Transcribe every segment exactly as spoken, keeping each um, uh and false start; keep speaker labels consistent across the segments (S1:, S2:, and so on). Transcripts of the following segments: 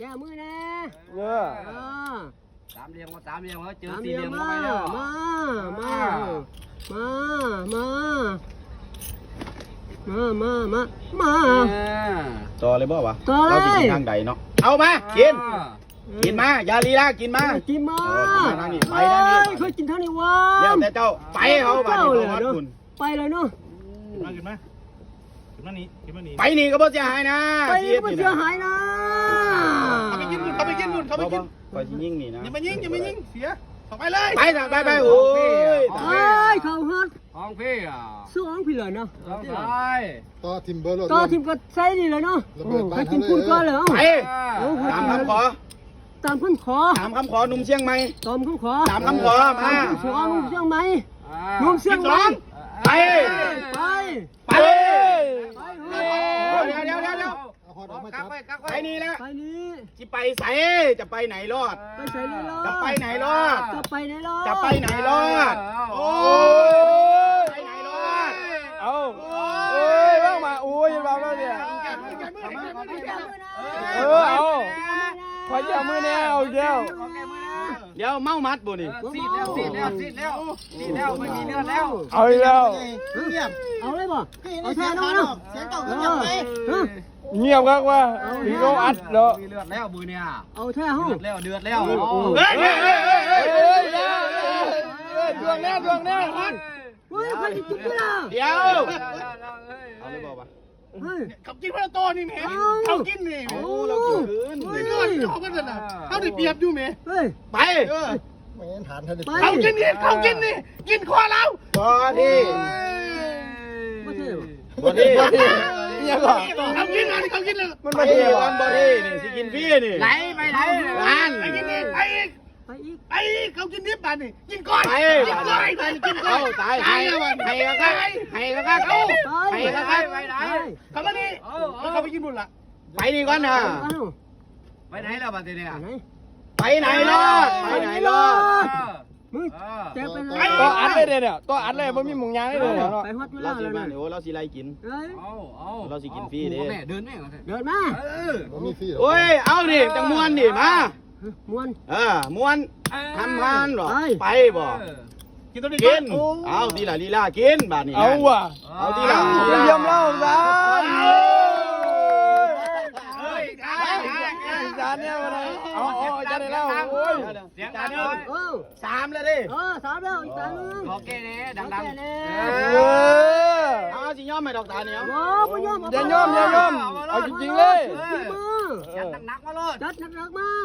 S1: แก้มือแน่
S2: เออ
S3: สามเหลี่ยมก็สามเหลี่ยมเขาเจอ
S1: สาม
S3: สี่
S1: เห
S3: เห
S1: ลี่
S3: ลี่
S1: ย
S3: ย
S1: ม
S3: ม
S1: มา
S3: ไปแล้ว
S1: มามามามามามามามา
S2: ต่อเลยบ่วะ
S1: ต่อเลย
S2: เราสิกินทางใดเนาะเอามากินกินมาอย่าลีลากินมา
S1: กินมา
S2: ทางนี้ไปทางนี้
S1: เคยกินทางนี้วะ
S2: เดี๋ยวแต่เจ้าไปเขาบ้านนี้เขาคุณ
S1: ไปเลยเนาะ
S4: มาขึ้นมาขึ้นมานี่ขึ้นมานี่
S2: ไปนี่ก็บ่เสียหายนะ
S1: ไปก็ไม่เสียหายนะ
S4: เขาไปกินบุญเขาไปกินบุญเขาไปกิน
S2: ไปที่ยิ่งนี่นะ
S4: อย่ามายิงอย่ามายิงเสียต่อไปเลย
S2: ไปไปไปโอ้ย
S1: เฮ้ยเขาฮัด
S3: ห้องพี่อ่ะ
S1: สู้องพี่เลยเนาะ
S3: ห้องซ้าย
S5: ต่อทิมเบอร์รถ
S1: ต่อทีมก็ใส่นี่เลยเนาะใครกินคุณก็เลย
S2: ไป
S1: เอ้า
S2: ตามคำขอ
S1: ตามคำขอ
S2: ตามคำขอหนุ่มเชียงใหม่
S1: ตามคำขอ
S2: ตามคำขอมา
S1: เชียงนุ่มเชียงใหม่นุ่มเชียงใหม่
S2: ไป
S1: ไป
S2: ไป
S1: ไป
S2: เดี๋ยวเดี๋ยวเดี๋ยวเดี๋ยว
S5: เอาฮอดออกมา
S3: กั
S5: จั
S3: ก
S5: บ
S3: ไว้กัก
S2: ไป
S3: ไว้
S2: นี่แล้ว
S1: ไปนี่
S2: จะไปใส่จะไปไหนรอด
S1: ไปใส่เลยรอด
S2: จะไปไหนรอด
S1: จะไปไหนรอด
S2: จะไปไหนรอดโอ้ยไปไหนรอด
S4: เอาเอ้ยว่างมาอุ้ยเราแล้วเนี่ยเออเอาขอจับมือแน่เอาเดียว
S2: เดี๋ยวเมามัดบ่นี่
S3: ซีดแล้วซีดแล้วซีดแล้วซีดแล้วไม่มีเลือดแล้ว
S4: เอาอีกแล้ว
S5: เงียบ
S1: เอาเลยบ่เอาแท้น้องเนาะ
S5: เสียงเก่าเงียบไป
S4: เงียบครับว่าพี่เขาอัดเนาะ
S3: มีเลือดแล้วมือเนี่ย
S1: เอาแท้ห้อง
S3: เดือดแล้วเดือดแล้ว
S2: เฮ้ยเฮ้ยเฮ้ยเฮ้ย
S4: เฮ้ยเฮ้ยดวงแน่ดวงแน่
S1: เฮ้ยใครจะจุกกูล่ะ
S2: เดี๋ยวเอาเลยบอกว่า
S1: เฮ้ย
S4: ขับกินพระโตนี่แม่เขากินนี่
S2: โอ้เรากินคืน
S4: ไม่นอนเขากันน่ะเขาได้เปรียบอยู่แม่
S1: เฮ้ย
S2: ไป
S5: ไม่งั้นฐานท่าน
S1: ไป
S4: เขากินนี่เขากินนี่กินคอเรา
S2: บอดี้
S1: บ่เท่
S2: บอดี้
S4: เนี่ยหรอเขากินอันเขากินเลย
S2: มันบอดี้วันบอดี้นี่สิกินฟรีนี่
S3: ไหลไปไหน
S2: งาน
S4: ไปกินนี่ไปอีก
S1: ไปอีก
S4: ไปอีกเขากินนิบปันนี่กินก้อน
S2: ไป
S4: กินก้อนไปกินก้อ
S2: เอา
S4: น
S2: ตายให้ให้ก็ก็ให้ก็ก็เอาให้ก็ก็
S3: ไปไหน
S4: เขามานี่แล้วเขาไปกินบุญละ
S2: ไปนี่ก่อนนะ
S1: เอ้า
S3: ไปไหนแล้วบัดนี้
S1: ไหน
S2: ไปไหนรอดไปไหนรอด
S1: มึงแจ็คไปไหน
S4: ตัวอัดเลยเนี่ยตัวอัดเลยมันมีหมุงยางเลยเนาะ
S1: ไปฮอดเว
S2: เรา
S1: ลา
S2: สิ
S1: แล้ว
S2: มา
S1: นะ
S2: เดี๋ยวเราสิไล่กิน
S1: เฮ้ย
S3: เอาเอา
S2: เราสิกินฟรีเด้
S3: แม่เดินแม่
S1: เดินมา
S3: เออ
S5: มันมีฟรีหรอ
S2: โอ้ยเอาดิจังมวนดิมา
S1: ม้วน
S2: เออมวนทำงานหรอไปบ่
S4: กินตัวนี้
S2: กินเอาทีละลีลากินบาดนี้
S4: เอาว่ะ
S2: เอาทีละ
S4: เยี่ยมเล่าซะ
S3: เฮ้ย
S4: จานเนี่ยมาเลยเอาเอาจานไหนแล้วโอ้ย
S3: เสียงดังเลย
S1: เออ
S2: สามแล้วดิ
S1: เออสามแล้วอีกสามนึง
S3: ขอแก้เน่ดังดัง
S4: เออ
S2: เอาสิย่อมไม่ดอกตาเนี่ย
S1: โอ้ไม่ยอม
S4: อย่าย่อมอย่าย่อมเอาจริงๆเลย
S1: ขึ้นมา
S3: จัดหนักมาโลด
S1: จัดหนักๆมา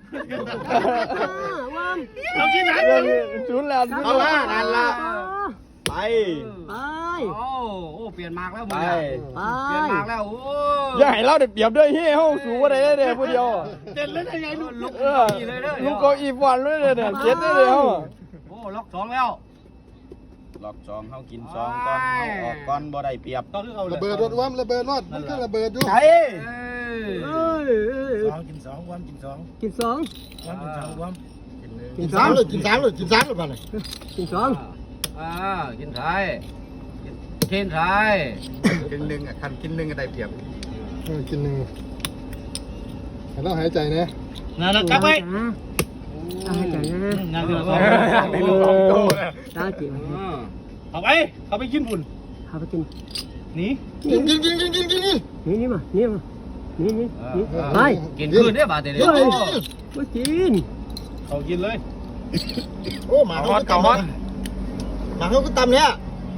S1: ว่าม
S4: เรากินไหนศูนย์แล้ว
S2: เอาละนั่นละไป
S1: ไป
S3: โอ้โอ้เปลี่ยนมากแล้ว
S2: ไป
S3: มึง
S1: ไป
S3: เปลี่ยนมากแล้วโอ้
S4: อย่าให้เราได้เปรียบด้วยเฮ้ยเฮาสูงกว่าใดได้เลยผู้เดียว
S3: เด่นเลยไงลูกลูก
S4: เออลุงก็อีฟวันเลยเนี่ยเจ็ดได้เลยเฮา
S3: โอ้ล็อกสองแล้ว
S2: หลอกสองเขากินสองก่อนเขาออกก่อนบ่ได้เปรียบ
S4: ต้องเอา
S5: ระเบิดรถว่ำระเบิดรถมันก็ระเบิดอยู่
S2: ใช่
S1: เอ้ย
S4: สองกินสองวันกินสอง
S1: กินสอง
S4: วันกินสองวัน
S5: กินสามเลยกินสามเลยกินสามเลยบ้านเลย
S1: กินสอง
S3: อ่ากินไทยกินไทย
S5: กินหนึ่งอ่ะคันกินหนึ่งก็ได้เปรียบกินหนึ่งให้เราหายใจนะ
S4: นั่นกลับไป
S1: ตายใจนะ
S4: งานเดือดร้อน
S1: ตายจิ๋ว
S4: เอาไปเขาไปกินบุญ
S1: พาไปกิน
S4: หนี
S5: กินกินกินกินกินกินกิน
S1: นี่นี่มานี่มานี่นี่นี่ไป
S3: กินคืนได้บาทเดียว
S1: ไปมากิน
S4: เขากินเลย
S5: โอ้หมาเขาก็ตำหมาเขาก็ตำเนี่ย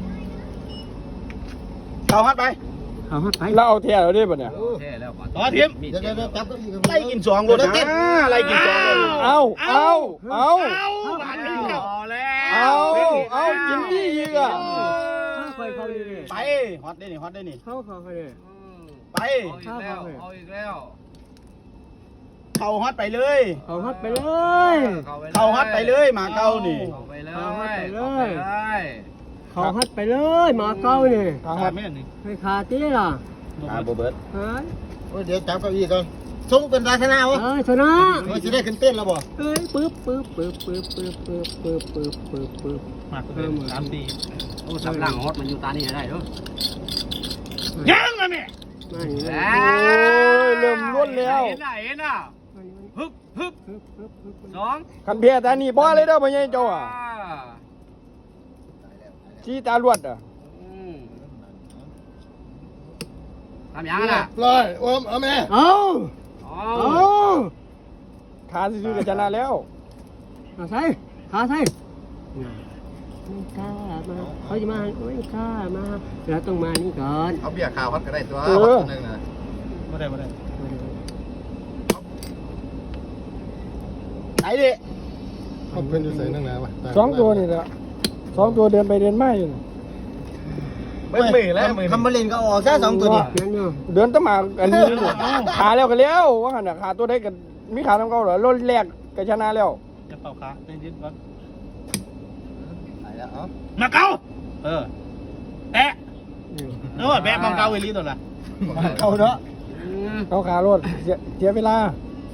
S2: เขาฮัดไป
S1: เอาฮัดไป
S4: เราเอาเที่ยวได้ป่ะเนี่ย
S3: แค่แล้วบาท
S4: ต่อทีม
S5: เดี๋ยวเดี๋ยวเดี๋ยวจับก็อีก
S2: ไล่กินสองรถนะไล่กินสองเลย
S4: เอาเอาเอา
S3: เอาบาทเดียวแล้ว
S4: เอาเอากินดีอีกอ่ะ
S1: ไปเขาเลย
S2: ไปฮอตได้นี่ฮอตได้นี่
S1: เขาเขาเลย
S2: ไป
S3: เอาอีกแล้วเอาอีกแล้ว
S2: เขาฮอตไปเลย
S1: เอาฮัดไปเลย
S2: เขาฮอตไปเลยหมาเก้านี่
S3: เข้าไปเลยเข้าไปเลย
S1: เขาฮัดไปเลยมาเก้านี่
S4: ทางวัดไม่นี่
S1: ไม่ขาดที่ล่ะ
S2: อ่าโบเบิร์ต
S1: เฮ้ย
S5: โอ้เดี๋ยวจับก็อีกก่อนส่งเป็นราชนาวะ
S1: เอ้ยชนะ
S5: มันจะได้ขึ้นเต้นแล้วบ่
S1: เอ้ยปึ๊บปึ๊บปึ๊บปึ๊บปึ๊บปึ๊บปึ๊บปึ๊บปึ๊บปึ๊บ
S4: มากเลยสามปี
S3: โอ้สำลังฮอตมันอยู่ตานี่ได้ด้วย
S4: ยังอ่ะแม่
S1: มานี่
S3: แล้
S4: โอ้ยเริ่มล้วนแล้ว
S3: เห็นน่ะเห็นน่ะฮึบฮึบ
S1: ปึ๊บปึ๊บปึ๊บ
S3: สอง
S4: คันเพียแต่นี่บ่เลยเด้อพ่อใหญ่เจ้าอ่ะชี้ตาลวดอ่ะ
S3: อืมทำยังน่ะ
S5: ปล่อยโอมเอาแม่
S1: เอา
S3: เอา
S1: เอา
S4: ขาซื่อๆก็ชนะแล้ว
S1: ขาใส่ขาใส่ไม่กล้ามาเขาจะมาไม่กล้ามาเราต้องมานี่ก่อน
S5: เอาเบียร์ขาวฮอตก็ได้ตัว
S4: เอ
S5: ฮอ
S4: อ
S5: ตตัวหนึงนะ
S2: บ่ได้บ่ได้
S4: ไหนดิ
S5: เขาเป็นอยู่ใส่นั่งแล้ววะ
S4: สองตัวนี่แหละสองตัวเดินไปเดินมาอยู่
S2: ไม่มือแล้วมือคำบรินก็ออกแค่สองตัวนี่
S1: นั่นเนาะ
S4: เดินต้องมาอันนี้ขาแล้วก็แล้วว่าหันน่ะขาตัวได้กันมีขาต้องเก่าเหรอรถแรกก็ชนะแล้ว
S2: จะเป่าขาได้ยินก่อน
S5: ไหนแล้วเอ้า
S2: มาเกาเออแตะโน่นแบะมองเกาเวลีตัวละ
S4: เขาเนาะเขาขารถเสียเสียเวลา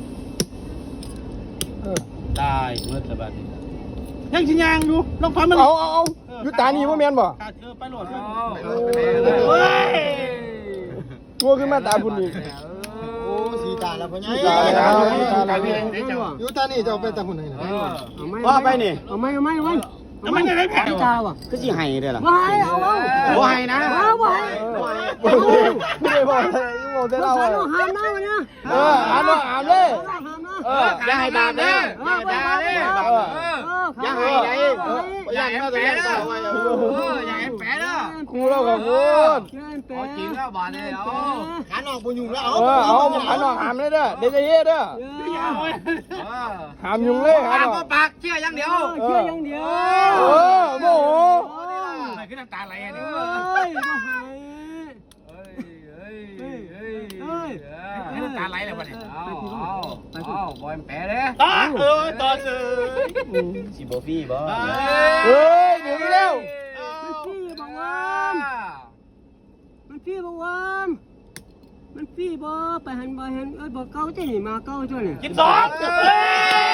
S4: เออ
S2: ตายเมื่อสบายดียังชิยางอยู่ลองพันมัน
S4: เอาเอาเอาอยู่ตานี่ว่าแมนบ่
S2: ขาดเออไปโหลด
S3: เอา
S5: ไป
S3: เอ
S5: เลย
S3: อ
S5: ไปเลย
S2: เฮ้ย
S4: ตัวขึ้นมาตาบุญอีก
S5: โอ้สีตาแล้วพ่อใหญ่
S4: สีตาแล้วสีตาแล้ว
S5: อยู่ตานี่จะเอาไปตาหุ่นไหนนะ
S3: เออ
S1: เอาไหม
S2: ว่าไปนี่
S1: เอาไหมเอาไหมเอาไหม
S2: แล้วมันจะได้แผล
S1: ตาว่ะ
S2: ก็สิให้เด้อล่ะ
S1: ว่าให้เอาเอา
S2: บ่ให้นะ
S1: เอาไว้
S4: ไม่ได้บอกอะไรบอกแต่เรา
S1: เรา
S4: เลย
S1: ห้ามนะวันนี้
S4: เออหามเนาะหามเลย
S1: ห้ามนะ
S4: เออ
S2: อย่าให้บาปเด้ออย่าให้บาปเด้อ
S4: เออ
S2: อย่าให้ไหนอย่าให้แผลเด้ออย่าให้แผลเด้อ
S4: ครูเราขอบคุณ
S3: เอาจริงแล้วบาดเลยเอา
S5: ขาหนอกปุยุงแล้ว
S4: เออเอาหาหนอกหามเลยเด้อเดี๋ยวจะเฮ็ดเด้อ
S3: เออ
S4: หามยุงเลยหา
S3: ปาก
S4: หนอ
S3: ก็
S4: ก
S3: ปากเชื่ออย่างเดียว
S1: เชื่ออย่างเดียว
S4: เออโมโห
S2: ไม่ขึ้นน้ำตาไหลอัน
S1: เฮ
S2: นี้
S1: ้ยมาหาย
S3: เฮ้ยเฮ้ยเฮ้ยเฮ้ย
S1: เฮ้ย
S2: ขึ้นน้ำตาไหลแล้ววะเนี่ย
S3: เอาเอาเอาบอยแผลเด้
S2: ต่อเออต่อซื้อสิบ่ฟี่บ่
S4: เฮ้ยเดี๋ยวนี้แล้ว
S1: มันพี่บอกว่ามันพี่บอกว่ามันพี่บอกไปหันไปหันเอ้ยบอกเก้าจะหนีมาเก้าจ้ะนี่
S2: กินสอง